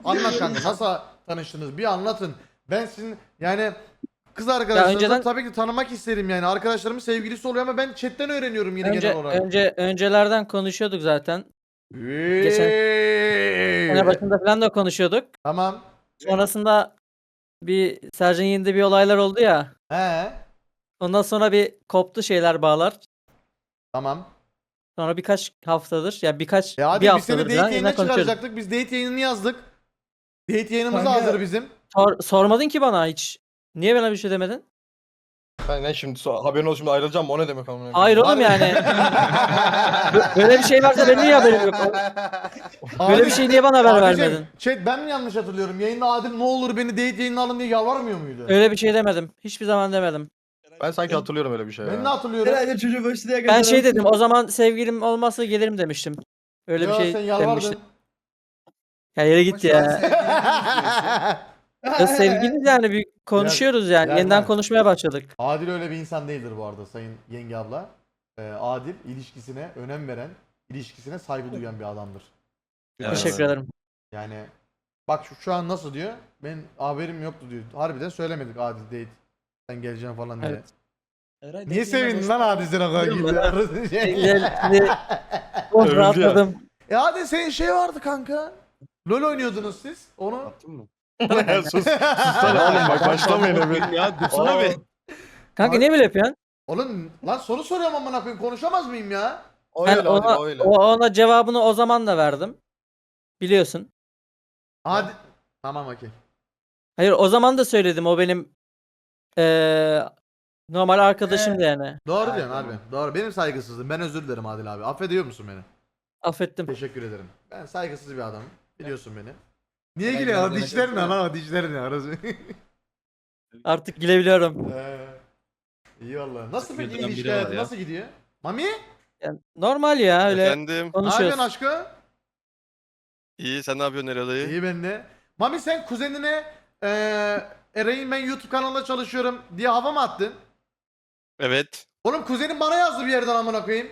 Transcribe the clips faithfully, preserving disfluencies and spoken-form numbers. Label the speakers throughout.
Speaker 1: Anlat kanka, nasıl tanıştınız? Bir anlatın. Ben sizin yani kız arkadaşlarınızı
Speaker 2: önceden-
Speaker 1: tabii ki tanımak isterim yani. Arkadaşlarımın sevgilisi oluyor ama ben chatten öğreniyorum yine
Speaker 2: Önce,
Speaker 1: genel olarak.
Speaker 2: önce öncelerden konuşuyorduk zaten. Geçen
Speaker 1: Eee.
Speaker 2: sene başında falan da konuşuyorduk.
Speaker 1: Tamam.
Speaker 2: Sonrasında bir Sercan Yiğit'de bir olaylar oldu ya.
Speaker 1: He.
Speaker 2: Ondan sonra bir koptu şeyler bağlar.
Speaker 1: Tamam.
Speaker 2: Sonra birkaç haftadır ya birkaç
Speaker 1: E hadi
Speaker 2: bir
Speaker 1: biz seni
Speaker 2: haftadır
Speaker 1: date
Speaker 2: falan
Speaker 1: yayınına
Speaker 2: yine konuşuyorduk.
Speaker 1: çıkaracaktık. Biz date yayınını yazdık. Date yayınımız
Speaker 3: Kanka-
Speaker 1: hazır bizim.
Speaker 2: Sor- sormadın ki bana hiç. Niye bana bir şey demedin?
Speaker 4: Ben ne şimdi so- haberin olsun şimdi ayrılacağım o ne demek amına koyayım?
Speaker 2: Hayır oğlum yani. Bö- Böyle bir şey varsa benim niye haberim yok? Böyle bir şey niye bana haber
Speaker 1: Abicim,
Speaker 2: vermedin?
Speaker 1: Chat ben mi yanlış hatırlıyorum? Yayında Adil ne olur beni date yayınına alın diye yalvarmıyor muydu?
Speaker 2: Öyle bir şey demedim. Hiçbir zaman demedim.
Speaker 4: Ben sanki hatırlıyorum öyle bir şey
Speaker 1: Ben
Speaker 4: ya.
Speaker 1: ne hatırlıyorum?
Speaker 3: Herhalde çocuğu başladı ya.
Speaker 2: Ben şey dedim. O zaman sevgilim olmazsa gelirim demiştim. Öyle
Speaker 1: Yo,
Speaker 2: bir şey
Speaker 1: sen yalvardın.
Speaker 2: demiştim. Ya yere gitti ya. Ya sevgiliyiz yani bir konuşuyoruz yani.
Speaker 1: yani
Speaker 2: Yeniden
Speaker 1: ben-
Speaker 2: konuşmaya başladık.
Speaker 1: Adil öyle bir insan değildir bu arada sayın yenge abla. Ee, Adil ilişkisine önem veren, ilişkisine saygı duyan bir adamdır.
Speaker 4: Evet.
Speaker 2: Teşekkür ederim.
Speaker 1: Yani bak şu, şu an nasıl diyor? Ben haberim yoktu diyor. Harbiden söylemedik Adil date. Sen geleceksin falan diye.
Speaker 2: Evet.
Speaker 1: Niye sevindin lan Adil sen o kadar gidiyor?
Speaker 2: Güzel, şimdi oh,
Speaker 4: Övüldü
Speaker 2: rahatladım.
Speaker 1: E Adil senin şey vardı kanka. LoL oynuyordunuz siz. Onu
Speaker 4: Attın mı? sus. Sussana oğlum bak başlamayın hemen.
Speaker 5: Ya dursana
Speaker 4: Aa.
Speaker 5: be.
Speaker 2: Kanka niye böyle yapıyorsun?
Speaker 1: Oğlum lan soru soruyorum amına koyayım konuşamaz mıyım ya?
Speaker 4: O
Speaker 2: Ben
Speaker 4: öyle
Speaker 2: ona,
Speaker 4: hadi o öyle.
Speaker 2: o- ona cevabını o zaman da verdim. Biliyorsun.
Speaker 1: Hadi. Tamam okey.
Speaker 2: Hayır o zaman da söyledim. O benim eee, normal arkadaşımdı yani.
Speaker 1: Doğru
Speaker 4: Ha,
Speaker 1: diyorsun
Speaker 4: tamam.
Speaker 1: abi. Doğru. Benim saygısızlığım. Ben özür dilerim Adil abi. Affediyor musun beni?
Speaker 2: Affettim.
Speaker 1: Teşekkür ederim. Ben saygısız bir adamım. Biliyorsun beni. Niye
Speaker 3: Ben
Speaker 1: gülüyorsun?
Speaker 3: gördüm,
Speaker 1: Dişlerin
Speaker 3: gördüm.
Speaker 1: lan ama dişlerin ya. Orası.
Speaker 2: Artık gülebiliyorum.
Speaker 1: Ee, İyi valla. Nasıl peki
Speaker 5: Güldüren
Speaker 1: ilişki
Speaker 5: biri var
Speaker 1: hayatı?
Speaker 5: ya.
Speaker 1: Nasıl gidiyor? Mami?
Speaker 2: Yani normal ya öyle
Speaker 6: Efendim,
Speaker 1: Ne yapıyorsun
Speaker 2: konuşuyoruz.
Speaker 1: aşkım?
Speaker 6: iyi sen ne yapıyorsun Erol dayı?
Speaker 1: İyi ben de. Mami sen kuzenine eee Eray'ın ben YouTube kanalında çalışıyorum diye hava mı attın?
Speaker 6: Evet.
Speaker 1: Oğlum kuzenim bana yazdı bir yerden amına koyayım.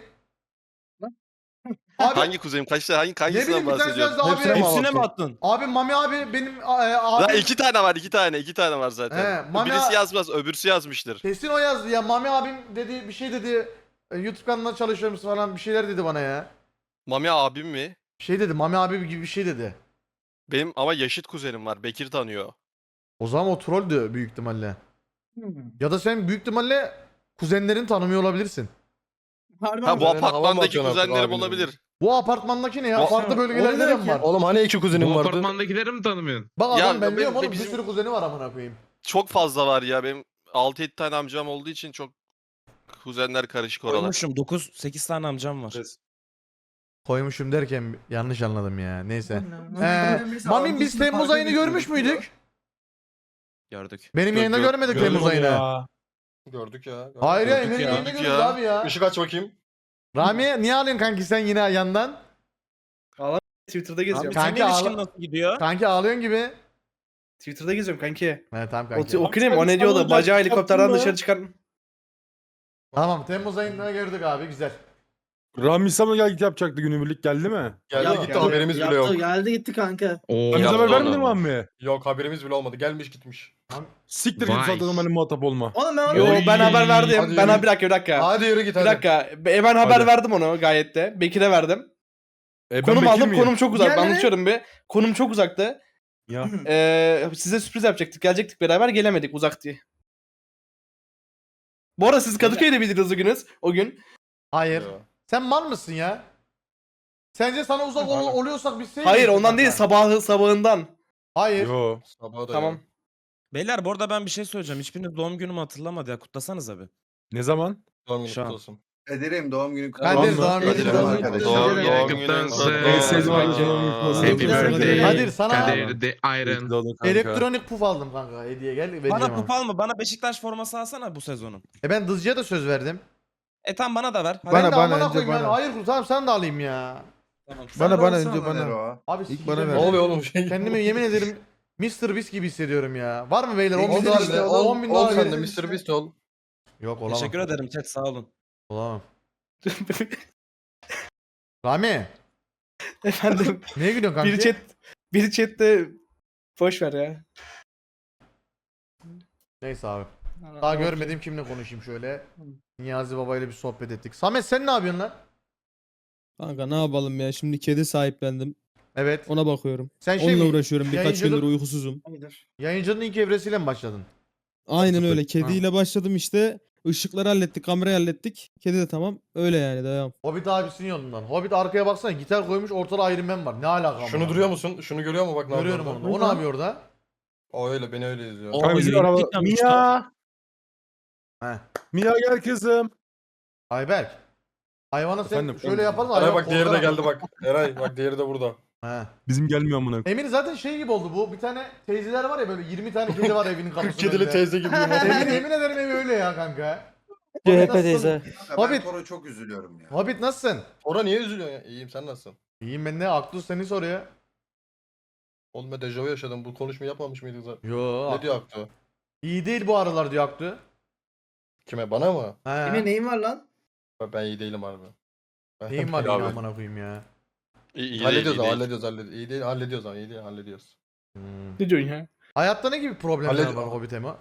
Speaker 1: Abi,
Speaker 6: Hangi kuzenim? Kaçta hangi
Speaker 1: ne
Speaker 6: hangisinden
Speaker 1: bileyim bir tanesi
Speaker 6: bahsediyorsun?
Speaker 1: yazdı
Speaker 4: Hepsine
Speaker 1: abi.
Speaker 4: mi
Speaker 5: Hepsine mi
Speaker 4: attın?
Speaker 5: attın?
Speaker 1: Abi Mami abi benim e,
Speaker 6: Lan
Speaker 1: abi
Speaker 6: iki tane var, iki tane, iki tane var zaten.
Speaker 1: He, Mami
Speaker 6: Birisi
Speaker 1: a-
Speaker 6: yazmaz, öbürsü yazmıştır.
Speaker 1: kesin o yazdı ya. Mami abim dedi bir şey dedi. e, YouTube kanalında çalışıyor musun falan bir şeyler dedi bana ya.
Speaker 6: Mami abim mi?
Speaker 1: Bir şey dedi. Mami abi gibi bir şey dedi.
Speaker 6: Benim ama yaşıt kuzenim var. Bekir tanıyor.
Speaker 1: O zaman o trolldü büyük ihtimalle. Ya da sen büyük ihtimalle kuzenlerini tanımıyor olabilirsin.
Speaker 3: Harbi
Speaker 6: Ha bu
Speaker 4: Kuzenine hava mı
Speaker 6: apartmandaki
Speaker 4: atıyorsun artık
Speaker 6: kuzenlerim
Speaker 4: abinin?
Speaker 6: olabilir.
Speaker 1: Bu apartmandaki ne ya?
Speaker 6: Bu-
Speaker 1: Farklı bölgelerde de mi var?
Speaker 4: Oğlum hani iki kuzenim
Speaker 5: Bu
Speaker 4: vardı?
Speaker 5: apartmandakileri mi tanımıyorsun?
Speaker 1: Bak
Speaker 6: Ya
Speaker 1: adam ben
Speaker 6: benim-
Speaker 1: diyorum oğlum
Speaker 6: bizim-
Speaker 1: bir sürü kuzeni var amına koyayım.
Speaker 6: Çok fazla var ya. Benim altı yedi tane amcam olduğu için çok kuzenler karışık oralar.
Speaker 7: Koymuşum dokuz sekiz tane amcam var.
Speaker 1: Koymuşum derken yanlış anladım ya. Neyse. Ee, Mami biz Temmuz ayını görmüş müydük?
Speaker 7: Gördük.
Speaker 1: Benim yayında
Speaker 6: Gör-
Speaker 1: görmedik Temmuz ayını.
Speaker 4: Gördük ya.
Speaker 1: Hayır ya
Speaker 6: Gördük
Speaker 1: benim
Speaker 6: ya.
Speaker 1: yayında
Speaker 6: Gördük
Speaker 1: görüyoruz
Speaker 6: ya.
Speaker 1: abi ya.
Speaker 4: Işık aç bakayım.
Speaker 1: Rami niye alıyorsun kanki sen yine yandan?
Speaker 3: Twitter'da
Speaker 7: Abi
Speaker 3: geziyorum.
Speaker 1: Kanka
Speaker 7: senin ilişkin
Speaker 1: ağla-
Speaker 7: nasıl gidiyor?
Speaker 1: Kanki ağlıyorsun gibi.
Speaker 3: Twitter'da geziyorum kanki.
Speaker 1: He tamam
Speaker 3: O,
Speaker 1: kanki.
Speaker 3: o klip o ne diyordu? Bacağı helikopterden dışarı çıkar.
Speaker 1: Tamam Temmuz ayında gördük abi güzel.
Speaker 8: Ramisa mı gel yapacaktı günübirlik geldi mi?
Speaker 4: Geldi
Speaker 3: Ya-
Speaker 4: gitti
Speaker 3: geldi,
Speaker 4: haberimiz bile yok.
Speaker 3: Geldi gitti kanka.
Speaker 5: Oo.
Speaker 8: Ramisa
Speaker 6: yaptı
Speaker 8: haber vermedi
Speaker 6: onu.
Speaker 8: mi Ammi?
Speaker 4: Yok haberimiz bile olmadı. Gelmiş gitmiş.
Speaker 8: Siktir git
Speaker 5: Vay.
Speaker 8: zaten benimle muhatap olma.
Speaker 3: Oğlum ben
Speaker 5: Yo,
Speaker 3: ben haber verdim.
Speaker 4: Hadi
Speaker 3: Ben
Speaker 4: yürü.
Speaker 3: bir dakika bir dakika.
Speaker 4: Hadi yürü git
Speaker 3: Bir
Speaker 4: hadi.
Speaker 3: dakika. E, ben haber
Speaker 8: Hadi.
Speaker 3: verdim onu gayet de. Bekir'e verdim.
Speaker 8: E, ben
Speaker 3: Konum
Speaker 8: Bekir
Speaker 3: aldım.
Speaker 8: miyim?
Speaker 3: Konum çok uzak. Ben Geldi. unutuyorum bir. Konum çok uzaktı.
Speaker 8: Ya.
Speaker 3: Ee, size sürpriz yapacaktık. Gelecektik beraber gelemedik uzak diye. Bu arada siz Kadıköy'de miydiniz o günüz? O gün.
Speaker 1: Hayır.
Speaker 4: Yo.
Speaker 1: Sen mal mısın ya? Sence sana uzak ol- oluyorsak biz şey
Speaker 3: Hayır
Speaker 1: miyiz
Speaker 3: ondan
Speaker 1: kanka?
Speaker 3: değil sabahı sabahından.
Speaker 1: Hayır.
Speaker 8: Yo.
Speaker 4: Sabaha da
Speaker 3: Tamam.
Speaker 4: yok.
Speaker 7: Beyler bu arada ben bir şey söyleyeceğim. Hiçbiriniz doğum günümü hatırlamadı ya. Kutlasanız abi.
Speaker 8: Ne zaman?
Speaker 4: Doğum günü
Speaker 7: Şu an.
Speaker 4: kutlu olsun.
Speaker 9: Ederim doğum günü kutlu
Speaker 1: Kadir
Speaker 8: Doğum
Speaker 1: doğum
Speaker 8: günü
Speaker 1: günü
Speaker 9: Kadir
Speaker 1: kutlu
Speaker 9: arkadaşlar.
Speaker 1: olsun.
Speaker 6: Doğum,
Speaker 5: Doğum
Speaker 6: doğum
Speaker 5: günün
Speaker 6: günün
Speaker 5: kutlu
Speaker 6: kutlu
Speaker 5: olsun.
Speaker 8: En sevdiğim
Speaker 6: olsun.
Speaker 8: arkadaşım kutlu olsun.
Speaker 5: Happy birthday.
Speaker 1: Kadir sana
Speaker 5: Kadir de
Speaker 8: İyi
Speaker 5: Iron.
Speaker 8: doğdun kanka.
Speaker 1: elektronik puf aldım kanka hediye gel vereceğim
Speaker 7: Bana
Speaker 1: ama.
Speaker 7: kupa alma. Bana Beşiktaş forması alsana bu sezonun.
Speaker 1: E ben Dızcı'ya da söz verdim.
Speaker 7: E tamam bana da ver. Hadi.
Speaker 1: ben de
Speaker 9: bana,
Speaker 1: amına
Speaker 9: önce
Speaker 1: koyayım yani.
Speaker 9: bana.
Speaker 1: Hayır tamam sen de alayım ya.
Speaker 7: Tamam.
Speaker 9: Bana bana önce bana.
Speaker 1: Abi
Speaker 9: İlk
Speaker 1: sikeceğim
Speaker 9: bana
Speaker 1: ya.
Speaker 9: ver.
Speaker 4: Ne oluyor oğlum şey?
Speaker 1: Kendimi yemin ederim mister Beast gibi hissediyorum ya. Var mı beyler? on bin
Speaker 4: Oldu
Speaker 1: dolar
Speaker 4: işte.
Speaker 1: işte.
Speaker 4: Ol,
Speaker 1: on bin
Speaker 4: ol
Speaker 1: dolar
Speaker 4: sen de
Speaker 1: verin.
Speaker 4: mister Beast ol.
Speaker 1: Yok olamam.
Speaker 7: Teşekkür ederim chat sağ olun.
Speaker 1: Olamam. Rami.
Speaker 3: Efendim.
Speaker 1: Neye gülüyorsun kanka?
Speaker 3: biri chat biri chatte Boş ver ya.
Speaker 1: Neyse abi. Daha görmedim kimle konuşayım şöyle. Niyazi Baba ile bir sohbet ettik. Samet sen ne yapıyorsun lan?
Speaker 5: Kanka ne yapalım ya şimdi kedi sahiplendim.
Speaker 1: Evet.
Speaker 5: Ona bakıyorum.
Speaker 1: Sen şey
Speaker 5: Onunla
Speaker 1: mi-
Speaker 5: uğraşıyorum. Birkaç
Speaker 1: yayıncılık-
Speaker 5: gündür uykusuzum.
Speaker 1: Yayıncının ilk evresiyle mi başladın?
Speaker 5: Aynen öyle. Kediyle başladım işte. Işıkları hallettik, kamerayı hallettik. Kedi de tamam. Öyle yani devam.
Speaker 1: Hobbit abisinin yolundan. Hobbit arkaya baksana gitar koymuş ortada Iron Man var. Ne alaka?
Speaker 4: Şunu duruyor musun? Şunu görüyor mu bak ne
Speaker 1: Görüyorum
Speaker 4: yapıyor
Speaker 1: onu.
Speaker 4: orada?
Speaker 1: O ne yapıyor orada?
Speaker 4: O öyle beni öyle izliyor.
Speaker 7: O-
Speaker 8: Kanka bizim
Speaker 7: yürü,
Speaker 8: araba.
Speaker 7: gittik lan,
Speaker 8: Mia.
Speaker 1: He.
Speaker 8: Mia gel kızım.
Speaker 1: Ayberk. Hayvana sen
Speaker 8: Efendim,
Speaker 1: şöyle
Speaker 8: efendim.
Speaker 1: yapalım da
Speaker 4: Eray
Speaker 1: hayvan
Speaker 4: bak diğeri de
Speaker 1: korkarak-
Speaker 4: geldi bak. Eray bak diğeri de burada.
Speaker 1: He.
Speaker 8: Bizim gelmiyor amına.
Speaker 1: Emin zaten şey gibi oldu bu. Bir tane teyzeler var ya böyle yirmi tane kedi var evinin kapısında.
Speaker 4: Kedili teyze gibi.
Speaker 1: Emin, emin ederim evi öyle ya kanka.
Speaker 2: C H
Speaker 1: Hobbit
Speaker 2: P
Speaker 1: nasılsın?
Speaker 2: teyze.
Speaker 1: Hobbit.
Speaker 9: Ben Toro çok üzülüyorum ya.
Speaker 1: Hobbit nasılsın?
Speaker 4: Ora niye üzülüyorsun ya? İyiyim sen nasılsın?
Speaker 1: İyiyim ben de. Aklı seni soruyor.
Speaker 4: Oğlum ben dejavu yaşadım. Bu konuşmayı yapmamış mıydık zaten?
Speaker 1: Yo.
Speaker 4: Ne diyor Aktu?
Speaker 1: İyi değil bu aralar diyor Aklı.
Speaker 4: Kime? Bana mı?
Speaker 1: He.
Speaker 9: Yine neyin var lan?
Speaker 4: Ben, ben iyi değilim harbi. Ben-
Speaker 1: Neyim var
Speaker 4: Abi.
Speaker 1: yine amına koyayım ya.
Speaker 6: İyi, iyi değil,
Speaker 4: Hallediyoruz
Speaker 6: iyi
Speaker 4: ama
Speaker 6: değil.
Speaker 4: hallediyoruz hallediyoruz. İyi değil hallediyoruz ama iyi değil hallediyoruz.
Speaker 1: Hmm.
Speaker 3: Ne diyorsun ya?
Speaker 1: Hayatta ne gibi problemler
Speaker 4: Halledi-
Speaker 1: var Hobbit Emo?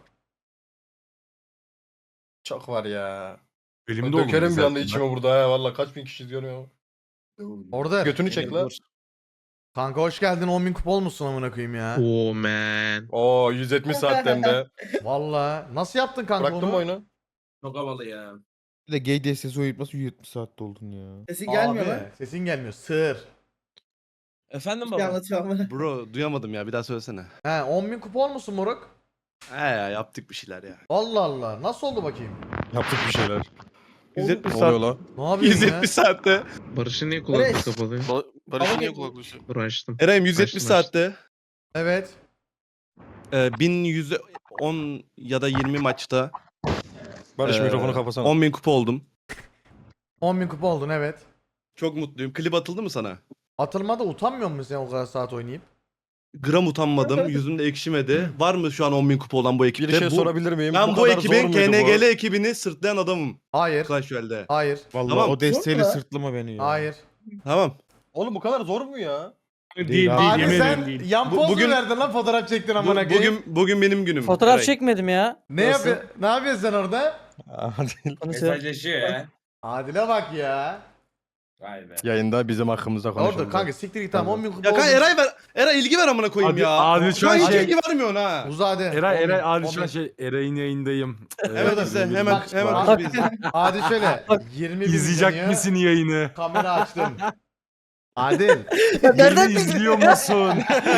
Speaker 4: Çok var ya.
Speaker 8: Elimde
Speaker 4: Ben
Speaker 8: oldu
Speaker 4: dökerim bir
Speaker 8: zaten
Speaker 4: anda
Speaker 8: ben.
Speaker 4: içime burada ha valla kaç bin kişi izliyor ya.
Speaker 1: Orada.
Speaker 4: Götünü çek lan.
Speaker 1: Kanka hoş geldin on bin kupa olmuşsun amına koyayım ya.
Speaker 10: Oh man.
Speaker 4: Oo yüz yetmiş saatte hem de.
Speaker 1: Valla. Nasıl yaptın kanka
Speaker 4: Bıraktın
Speaker 1: onu?
Speaker 4: mı oyunu?
Speaker 3: Çok havalı ya.
Speaker 10: Bir de gay D S S oynatması yüz yetmiş saatte oldun ya.
Speaker 9: Sesi gelmiyor
Speaker 1: Abi,
Speaker 9: lan.
Speaker 1: sesin gelmiyor. Sığır.
Speaker 7: Efendim
Speaker 9: Bir
Speaker 7: baba.
Speaker 9: anlatıyor ama.
Speaker 11: Bro duyamadım ya bir daha söylesene.
Speaker 1: He on bin kupa olmuşsun moruk.
Speaker 11: He ya yaptık bir şeyler ya.
Speaker 1: Allah Allah. Nasıl oldu bakayım?
Speaker 8: Yaptık bir şeyler.
Speaker 11: yüz yetmiş
Speaker 8: Ne
Speaker 11: saat.
Speaker 8: oluyor lan?
Speaker 1: Ne yapıyorsun
Speaker 11: yüz
Speaker 1: ya?
Speaker 11: yetmiş saatte.
Speaker 10: Barış'ın niye
Speaker 9: kulaklığı
Speaker 10: kulaklık kapalı?
Speaker 6: Ba- Barış'ın niye
Speaker 9: Ama-
Speaker 6: kulaklığı?
Speaker 10: Dur açtım.
Speaker 11: Eray'ım yüz yetmiş
Speaker 10: Açtım, açtım.
Speaker 11: saatte.
Speaker 1: Evet.
Speaker 11: E, bin yüz on ya da yirmi maçta
Speaker 8: Barış
Speaker 11: Ee,
Speaker 8: mikrofonu kapasana.
Speaker 11: on bin kupa oldum.
Speaker 1: on bin kupa oldun evet.
Speaker 11: Çok mutluyum. Klip atıldı mı sana?
Speaker 1: Atılmada utanmıyor musun sen o kadar saat oynayıp?
Speaker 11: Gram utanmadım. Yüzüm de ekşimedi. Var mı şu an on bin kupa olan bu ekipte?
Speaker 8: Bir şey
Speaker 11: bu,
Speaker 8: sorabilir miyim?
Speaker 11: Ben bu,
Speaker 8: kadar
Speaker 11: ekibin
Speaker 8: zor muydu
Speaker 11: K N
Speaker 8: bu?
Speaker 11: G L ekibini sırtlayan adamım.
Speaker 1: Hayır.
Speaker 11: Clash Royale'de.
Speaker 1: Hayır.
Speaker 10: Vallahi
Speaker 11: Tamam.
Speaker 10: o desteğiyle
Speaker 9: Zor mu?
Speaker 10: sırtlama beni ya.
Speaker 1: Hayır.
Speaker 11: Tamam.
Speaker 4: Oğlum bu kadar zor mu ya?
Speaker 8: Değil,
Speaker 3: Değil
Speaker 8: abi,
Speaker 1: Abi
Speaker 8: yemin
Speaker 1: sen
Speaker 8: ederim değil.
Speaker 1: yan
Speaker 11: Bu-
Speaker 1: poz
Speaker 11: bugün-
Speaker 1: mu verdin lan fotoğraf çektin
Speaker 11: Bu-
Speaker 1: amına koyayım?
Speaker 11: bugün bugün benim günüm.
Speaker 2: Fotoğraf
Speaker 11: Eray.
Speaker 2: çekmedim ya.
Speaker 1: Ne
Speaker 2: Nasıl?
Speaker 1: yapıyor? Ne yapıyorsun sen orada?
Speaker 8: Adil.
Speaker 3: Mesajlaşıyor ya.
Speaker 1: Adile bak ya.
Speaker 3: Vay be.
Speaker 8: Yayında bizim hakkımızda konuşalım.
Speaker 1: Orada kanka siktir git tamam on bin kupa
Speaker 11: Ya kanka
Speaker 1: oldun.
Speaker 11: Eray ver. Eray ilgi ver amına koyayım
Speaker 8: Adil-
Speaker 11: ya.
Speaker 8: Adil şu an
Speaker 11: hiç
Speaker 8: şey-
Speaker 11: ilgi vermiyorsun ha.
Speaker 1: Uzade.
Speaker 8: Eray Eray
Speaker 1: on bin-
Speaker 8: Adil
Speaker 1: on
Speaker 8: şu an
Speaker 1: bin-
Speaker 8: şey Eray'ın yayındayım.
Speaker 11: Evet
Speaker 8: Ee,
Speaker 11: izle
Speaker 8: benim-
Speaker 11: hemen
Speaker 1: Bak,
Speaker 11: hemen
Speaker 1: bak.
Speaker 11: kutu izle.
Speaker 1: Adil şöyle. yirmi bin
Speaker 8: İzleyecek
Speaker 1: izleniyor,
Speaker 8: misin yayını?
Speaker 1: Kamera açtım. Adil.
Speaker 2: Nereden
Speaker 8: Yayını
Speaker 2: bildin?
Speaker 8: izliyor musun?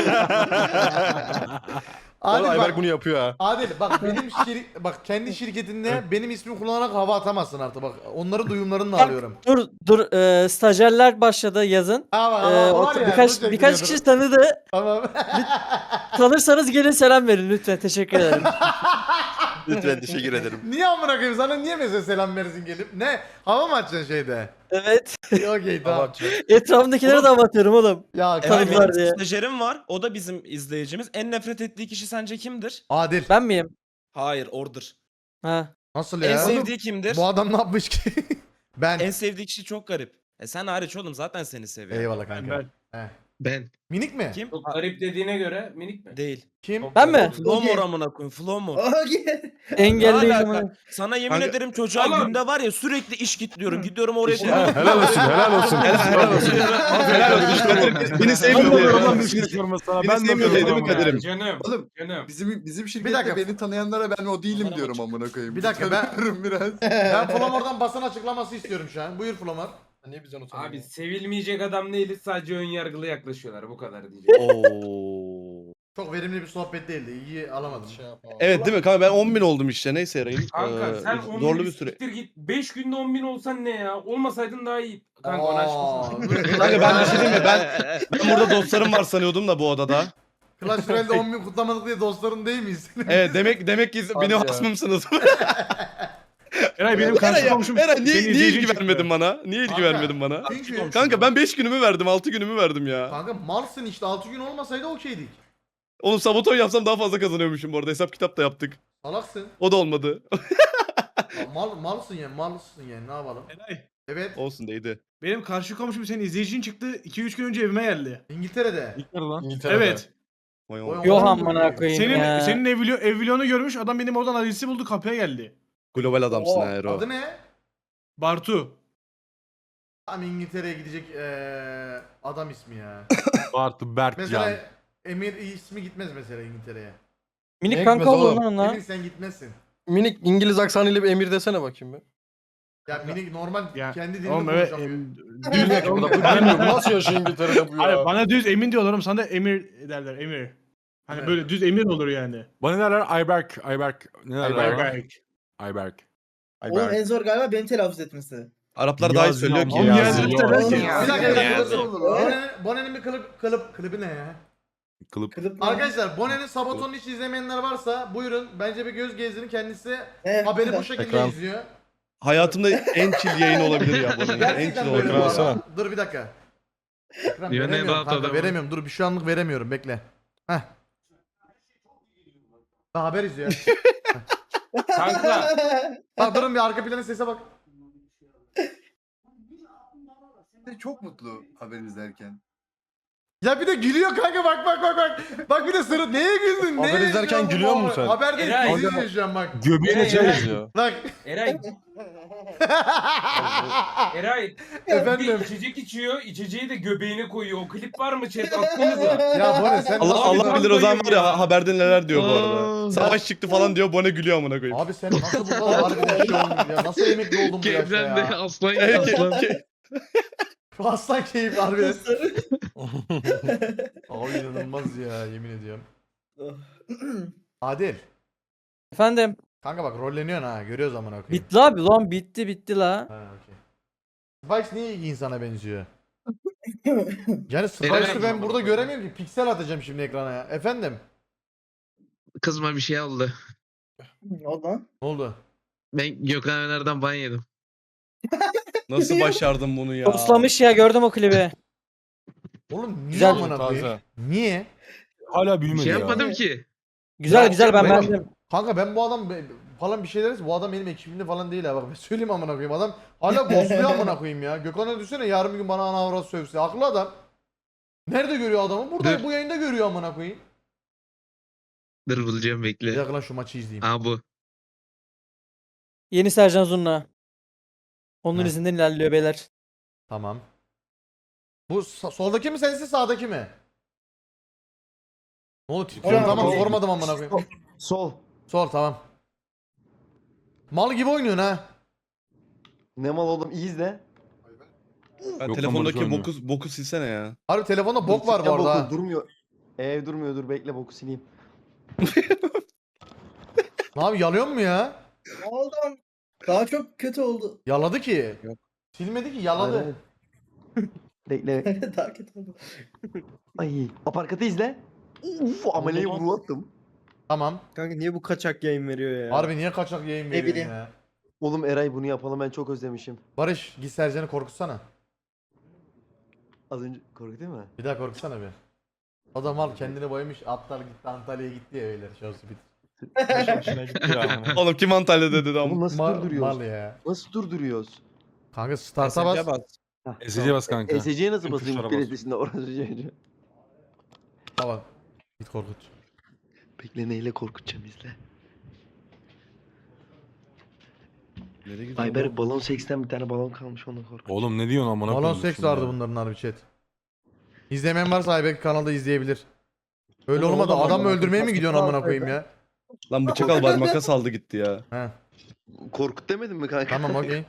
Speaker 1: Adil
Speaker 4: Oğlum Ayberk
Speaker 1: bak.
Speaker 4: bunu yapıyor ha.
Speaker 1: Adil bak benim şir bak kendi şirketinde benim ismimi kullanarak hava atamazsın artık bak. Onları duyumlarını da
Speaker 2: Bak,
Speaker 1: alıyorum.
Speaker 2: Dur dur e, stajyerler başladı yazın.
Speaker 1: Ha, bak,
Speaker 2: E,
Speaker 1: ama
Speaker 2: o-
Speaker 1: var ya,
Speaker 2: birkaç
Speaker 1: dur
Speaker 2: birkaç
Speaker 1: çekiliyordur.
Speaker 2: kişi tanıdı.
Speaker 1: Tamam.
Speaker 2: Tanırsanız gelin selam verin lütfen. Teşekkür ederim.
Speaker 6: Lütfen teşekkür ederim.
Speaker 1: Niye amına koyayım sana niye mesela selam verirsin gelip? Ne? Hava mı açacaksın şeyde?
Speaker 2: Evet.
Speaker 1: Okey tamam.
Speaker 2: Etrafındakilere de atıyorum oğlum.
Speaker 1: Ya
Speaker 7: Eray
Speaker 2: Tanıdılar
Speaker 1: kanka.
Speaker 7: benim
Speaker 2: diye.
Speaker 7: stajyerim var. O da bizim izleyicimiz. En nefret ettiği kişi sence kimdir?
Speaker 1: Adil.
Speaker 2: Ben miyim?
Speaker 7: Hayır, Order.
Speaker 2: Ha.
Speaker 1: Nasıl
Speaker 7: En
Speaker 1: ya?
Speaker 7: sevdiği kimdir?
Speaker 1: Bu adam ne yapmış ki? Ben.
Speaker 7: En sevdiği kişi çok garip. E sen hariç oğlum zaten seni seviyor.
Speaker 1: Eyvallah kanka.
Speaker 8: Ben-
Speaker 1: Heh.
Speaker 10: Ben.
Speaker 1: Minik mi?
Speaker 7: Kim?
Speaker 3: Çok garip dediğine göre minik mi?
Speaker 7: Değil.
Speaker 1: Kim?
Speaker 2: Ben mi?
Speaker 7: Flomor amına koyayım. Flomor.
Speaker 9: Okey.
Speaker 2: Engelliyim.
Speaker 7: Ne alaka? Sana yemin
Speaker 11: Kanka-
Speaker 7: ederim çocuğa
Speaker 3: Oğlum.
Speaker 7: günde var ya sürekli iş kitliyorum. Gidiyorum oraya.
Speaker 8: Ha, helal olsun helal olsun.
Speaker 11: Helal olsun. Helal olsun. Kadir, Beni
Speaker 8: Ben
Speaker 11: sevmiyor
Speaker 8: de
Speaker 11: diye.
Speaker 8: diyorum bir şey sorma sana.
Speaker 11: Beni
Speaker 8: Ben de
Speaker 11: sevmiyor
Speaker 8: diyorum
Speaker 11: değil mi
Speaker 8: ama.
Speaker 11: Kadir'im?
Speaker 3: Canım.
Speaker 9: Oğlum
Speaker 3: Canım.
Speaker 9: bizim bizim
Speaker 1: Bir
Speaker 9: şirkette
Speaker 1: dakika.
Speaker 9: beni tanıyanlara ben o değilim
Speaker 7: Kamera
Speaker 9: diyorum
Speaker 7: açık.
Speaker 9: amına koyayım.
Speaker 1: Bir dakika, ben-
Speaker 9: Tanıyorum biraz.
Speaker 1: Ben Flomor'dan basın açıklaması istiyorum şu an. Buyur Flomor.
Speaker 4: Niye bizden utanıyor?
Speaker 3: Abi sevilmeyecek adam değiliz sadece ön yargılı yaklaşıyorlar bu kadar diyeceğim.
Speaker 11: Oo.
Speaker 1: Çok verimli bir sohbet değildi. İyi alamadım.
Speaker 4: Şey yapma.
Speaker 11: Evet değil mi kanka ben on bin oldum işte neyse Eray'ım.
Speaker 3: Kanka
Speaker 11: Ee,
Speaker 3: sen on
Speaker 11: zorlu
Speaker 3: bin
Speaker 11: bir süre.
Speaker 3: siktir git. beş günde on bin olsan ne ya? Olmasaydın daha iyi. Kanka onu
Speaker 1: Aa,
Speaker 3: açmışsın.
Speaker 11: Kanka ben bir şey diyeyim mi? Ben, ben burada dostlarım var sanıyordum da bu odada.
Speaker 1: Clash Royale'de on bin kutlamadık diye dostların değil miyiz?
Speaker 11: Evet demek demek ki
Speaker 4: Hadi
Speaker 11: benim
Speaker 4: ya.
Speaker 11: hasmımsınız.
Speaker 8: Eray benim karşı
Speaker 11: Eray,
Speaker 8: komşum.
Speaker 11: Eray niye,
Speaker 8: senin
Speaker 11: niye
Speaker 8: izleyicin
Speaker 11: ilgi
Speaker 8: çıktı.
Speaker 11: vermedin bana? Niye ilgi
Speaker 1: Kanka,
Speaker 11: vermedin bana?
Speaker 1: Çünkü
Speaker 11: Kanka ben beş günümü verdim, altı günümü verdim ya.
Speaker 1: Kanka malsın işte altı gün olmasaydı okeydik.
Speaker 11: Oğlum sabotaj yapsam daha fazla kazanıyormuşum bu arada. Hesap kitap da yaptık.
Speaker 1: Salaksın.
Speaker 11: O da olmadı.
Speaker 1: Ya mal, malsın yani malsın yani ne yapalım?
Speaker 8: Eray,
Speaker 1: Evet
Speaker 11: Olsun değdi.
Speaker 8: benim karşı komşum senin izleyicin çıktı. iki üç gün önce evime geldi.
Speaker 1: İngiltere'de.
Speaker 8: İlker lan.
Speaker 4: İngiltere'de.
Speaker 8: Evet.
Speaker 11: Vay
Speaker 1: Vay
Speaker 11: oğlum.
Speaker 2: Yok
Speaker 1: amına
Speaker 2: amına koyayım
Speaker 8: Senin
Speaker 2: ya.
Speaker 8: senin evlio, evlionu görmüş adam benim oradan adresi buldu kapıya geldi.
Speaker 11: Global adamsın
Speaker 1: Oo,
Speaker 11: ha Ero.
Speaker 1: adı ne?
Speaker 8: Bartu.
Speaker 1: Tam İngiltere'ye gidecek eee, adam ismi ya.
Speaker 8: Bartu Berkcan.
Speaker 1: Mesela Emir ismi gitmez mesela İngiltere'ye.
Speaker 2: Minik
Speaker 4: Ne
Speaker 2: kanka
Speaker 4: gitmez
Speaker 2: olur
Speaker 4: oğlum?
Speaker 2: lan onunla.
Speaker 1: Emir sen gitmezsin.
Speaker 4: Minik İngiliz aksanıyla bir emir desene bakayım bir.
Speaker 1: Ya minik normal
Speaker 8: Ya,
Speaker 1: kendi dilinde
Speaker 8: oğlum evet.
Speaker 1: konuşamıyor.
Speaker 8: em-
Speaker 4: Düz ne ki bu da bu bilmiyorum. Nasıl yaşıyor İngiltere'de bu
Speaker 8: Hayır
Speaker 4: ya?
Speaker 8: bana düz Emin diyorlar oğlum sana da Emir derler Emir. Hani
Speaker 1: Evet.
Speaker 8: böyle düz Emir olur yani.
Speaker 5: Bana ne derler? Ayberk. Ayberk. Ne derler?
Speaker 4: Ayberk.
Speaker 5: bana?
Speaker 8: Berk.
Speaker 5: Ayberk.
Speaker 9: Oğlum en zor galiba benim telaffuz etmesi.
Speaker 11: Araplar daha iyi
Speaker 5: Niyazi
Speaker 11: söylüyor
Speaker 5: ya,
Speaker 11: ki.
Speaker 8: Oğlum
Speaker 11: ya.
Speaker 8: Niyazi
Speaker 5: Niyazi.
Speaker 8: der ki.
Speaker 9: Oğlum,
Speaker 1: Bir dakika bir dakika
Speaker 6: Yani.
Speaker 1: dur dur. Bonen'in- Bonen'in bir klip, klip, klibi ne ya?
Speaker 5: Kılıp.
Speaker 9: Kılıp mı?
Speaker 1: Arkadaşlar Bonen'in Sabaton'u hiç izlemeyenler varsa buyurun. Bence bir göz gezdirin kendisi
Speaker 9: Evet.
Speaker 1: haberi bu şekilde
Speaker 4: Ekran.
Speaker 1: izliyor.
Speaker 11: Hayatımda en chill yayın olabilir ya bu arada. En
Speaker 1: Gerçekten
Speaker 11: chill
Speaker 1: böyle bu
Speaker 11: olabilir.
Speaker 4: Ekran
Speaker 1: arada.
Speaker 4: alsana.
Speaker 1: Dur bir dakika. Ekran
Speaker 10: Dünyanın en
Speaker 1: veremiyorum
Speaker 10: rahat
Speaker 1: kanka
Speaker 10: adamı.
Speaker 1: veremiyorum. Dur bir şu anlık veremiyorum bekle. Heh. Daha haber izliyor.
Speaker 7: Kanka.
Speaker 1: Bak durun bir arka planın sese bak.
Speaker 9: Çok mutlu haber izlerken.
Speaker 1: Ya bir de gülüyor kanka bak bak bak bak. Bak bir de sırıt neye güldün?
Speaker 4: Haber
Speaker 1: Neye
Speaker 4: izlerken
Speaker 1: izliyorsun
Speaker 4: gülüyor
Speaker 1: bu
Speaker 4: musun sen?
Speaker 1: Haber değil
Speaker 7: Eray.
Speaker 1: dizi izliyor şu an bak.
Speaker 5: Göbeğine
Speaker 7: Eray,
Speaker 5: çay
Speaker 7: Eray.
Speaker 5: izliyor.
Speaker 1: Bak.
Speaker 7: Eray. Eray.
Speaker 1: Efendim.
Speaker 7: Bir içecek içiyor. İçeceği de göbeğine koyuyor. O klip var mı chat? Atsanıza.
Speaker 1: Ya Bone sen
Speaker 11: Allah
Speaker 1: nasıl
Speaker 11: Allah
Speaker 1: bir-
Speaker 11: bilir o zaman var ya haberde neler diyor bu arada.
Speaker 10: Aa.
Speaker 11: Savaş çıktı falan diyor Bone gülüyor amına koyayım.
Speaker 1: Abi sen nasıl bu kadar harbiden şey oldun ya? Nasıl emekli oldun bu yaşta
Speaker 10: Kevren de
Speaker 1: ya?
Speaker 10: aslan
Speaker 11: Evet,
Speaker 10: aslan.
Speaker 11: ke-
Speaker 1: Aslan keyif harbiden. Abi inanılmaz ya yemin ediyorum. Adil.
Speaker 2: Efendim.
Speaker 1: Kanka bak rolleniyorsun ha görüyoruz amına koyayım.
Speaker 2: Bitti abi lan bitti bitti la.
Speaker 1: Ha okey. Spikes niye iyi insana benziyor? Yani
Speaker 10: Eray.
Speaker 1: Spikes'ı ben burada göremiyorum ki. Piksel atacağım şimdi ekrana ya. Efendim?
Speaker 10: Kızma bir şey oldu.
Speaker 9: Ne oldu lan?
Speaker 1: Ne oldu?
Speaker 10: Ben Gökhan Öner'den ban yedim.
Speaker 11: Nasıl başardın bunu ya?
Speaker 2: Toslamış ya gördüm o klibi.
Speaker 1: Oğlum niye
Speaker 2: Güzel.
Speaker 1: amına koyayım?
Speaker 4: Taze.
Speaker 1: Niye?
Speaker 5: Hala
Speaker 10: Bir
Speaker 5: büyümedi
Speaker 10: şey
Speaker 5: ya.
Speaker 10: yapmadım ki.
Speaker 2: Güzel güzel ben
Speaker 1: Bak-
Speaker 2: beğendim.
Speaker 1: Kanka ben bu adam be- falan bir şey deriz. Bu adam benim ekibimde falan değil ha. Bak ben söyleyeyim amına koyayım. Adam hala ghostluyor amına koyayım ya. Gökhan'a düşsene yarın bir gün bana ana avrat sövse. Haklı adam. Nerede görüyor adamı? Burada
Speaker 10: Dur.
Speaker 1: bu yayında görüyor amına koyayım.
Speaker 10: Dur bulacağım
Speaker 1: Bir
Speaker 10: bekle.
Speaker 1: dakika lan şu maçı izleyeyim.
Speaker 10: Aa bu.
Speaker 2: Yeni Sercan Zurna. Onun
Speaker 1: Heh.
Speaker 2: izinden ilerliyor beyler.
Speaker 1: Tamam. Bu sa- soldaki mi sensin sağdaki mi? Ne oldu titriyorum
Speaker 9: Sol,
Speaker 1: tamam
Speaker 9: sol.
Speaker 1: sormadım amına koyayım.
Speaker 4: Sol.
Speaker 1: Sol tamam. Mal gibi oynuyorsun ha.
Speaker 4: Ne mal oğlum iyi izle.
Speaker 11: Ya
Speaker 5: Yok lan,
Speaker 11: telefondaki
Speaker 5: Barış
Speaker 11: boku, boku silsene ya.
Speaker 1: Harbi telefonda bok var bu arada ha.
Speaker 4: Durmuyor. Ev durmuyor dur bekle boku sileyim.
Speaker 1: Ne abi yalıyor mu ya?
Speaker 9: Ne oldu lan? Daha çok kötü oldu.
Speaker 1: Yaladı ki. Silmedi ki yaladı.
Speaker 4: Bekle.
Speaker 9: Daha kötü oldu.
Speaker 4: Ay aparkatı izle. Uf ameleyi vurulattım.
Speaker 1: Tamam.
Speaker 5: Kanka niye bu kaçak yayın veriyor ya?
Speaker 1: Harbi niye kaçak yayın veriyorsun
Speaker 9: bileyim.
Speaker 1: ya?
Speaker 4: Oğlum Eray bunu yapalım ben çok özlemişim.
Speaker 1: Barış git Sercan'ı korkutsana.
Speaker 4: Az önce korkutayım mı?
Speaker 1: Bir daha korkutsana bir. Adam al kendini boyamış atlar gitti Antalya'ya gitti ya öyle şurası bit.
Speaker 11: Oğlum kim Antalya'da dedi
Speaker 4: Oğlum
Speaker 11: ama.
Speaker 4: nasıl
Speaker 1: Mal,
Speaker 4: durduruyoruz?
Speaker 1: mal ya.
Speaker 4: Nasıl durduruyoruz?
Speaker 1: Kanka start'a bas.
Speaker 4: Hah,
Speaker 5: S C'ye bas kanka.
Speaker 4: E S C'ye nasıl
Speaker 5: Tüm
Speaker 4: basayım
Speaker 5: tuşlara bas.
Speaker 4: birisinde orası çocuğu.
Speaker 1: Tamam. Git korkut.
Speaker 4: Bekle neyle korkutacağım izle.
Speaker 11: Nereye gidiyor
Speaker 4: Ayberk balon seksten bir tane balon kalmış onunla korkut.
Speaker 5: Oğlum ne diyorsun amına
Speaker 1: Balon
Speaker 5: koyayım
Speaker 1: seks
Speaker 5: şimdi
Speaker 1: vardı
Speaker 5: ya.
Speaker 1: bunların harbi chat. İzlemeyen varsa Aybek kanalda izleyebilir. Öyle
Speaker 5: Oğlum,
Speaker 1: olmadı
Speaker 5: oğlum,
Speaker 1: adam mı
Speaker 5: oğlum,
Speaker 1: öldürmeye mi gidiyorsun amına koyayım ya?
Speaker 11: Lan bıçak al bari makas aldı gitti ya.
Speaker 1: He.
Speaker 4: Korkut demedim mi kanka?
Speaker 1: Tamam okey.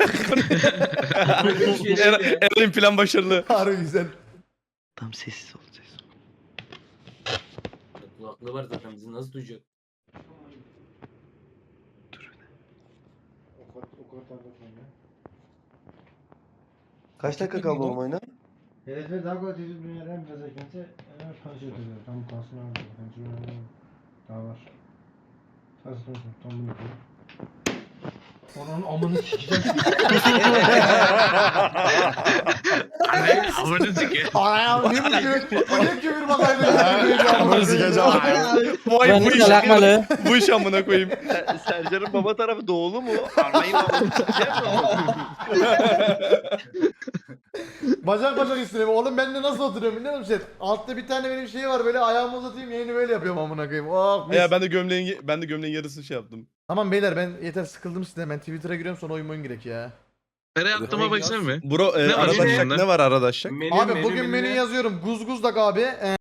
Speaker 11: Er- Eray'ın plan başarılı.
Speaker 1: Harbi güzel.
Speaker 4: Tam sessiz ol sessiz ol.
Speaker 7: Kulaklığı var zaten bizi nasıl duyacak?
Speaker 4: Kaç dakika kaldı oğlum oyuna?
Speaker 5: Hedefler daha kolay tecrübe dünyadan biraz ekmekte konuşuyor tabii. Tam kalsın abi. Daha var. Kalsın olsun. Tam bunu yapıyorum. Onun amını sikeceğim.
Speaker 10: Anne abone sikiyor.
Speaker 1: Ayağım ne bu küfür? Bu ne küfür bakaydı?
Speaker 4: Amına sikeceğim.
Speaker 3: Vay bu
Speaker 2: Güvenlik
Speaker 3: iş.
Speaker 2: alakalı.
Speaker 3: Bu iş amına koyayım.
Speaker 11: Sercan'ın baba tarafı doğulu mu? Armayı
Speaker 1: Bacak bacak üstüne. Oğlum ben de nasıl oturuyorum biliyor musun? Altta bir tane benim şey var böyle ayağımı uzatayım yayını böyle yapıyorum amına koyayım. Oh, mis.
Speaker 3: Ya ben de gömleğin ben de gömleğin yarısını şey yaptım.
Speaker 1: Tamam beyler ben yeter sıkıldım sizden. Ben Twitter'a giriyorum sonra oyun oyun girek ya.
Speaker 10: Nereye attığıma baksana mı?
Speaker 3: Bro e,
Speaker 10: Ne var
Speaker 3: aradaşlık
Speaker 10: içinde?
Speaker 3: ne var aradaşlık?
Speaker 1: Abi bugün menü yazıyorum. Guzguzdak abi. Ee,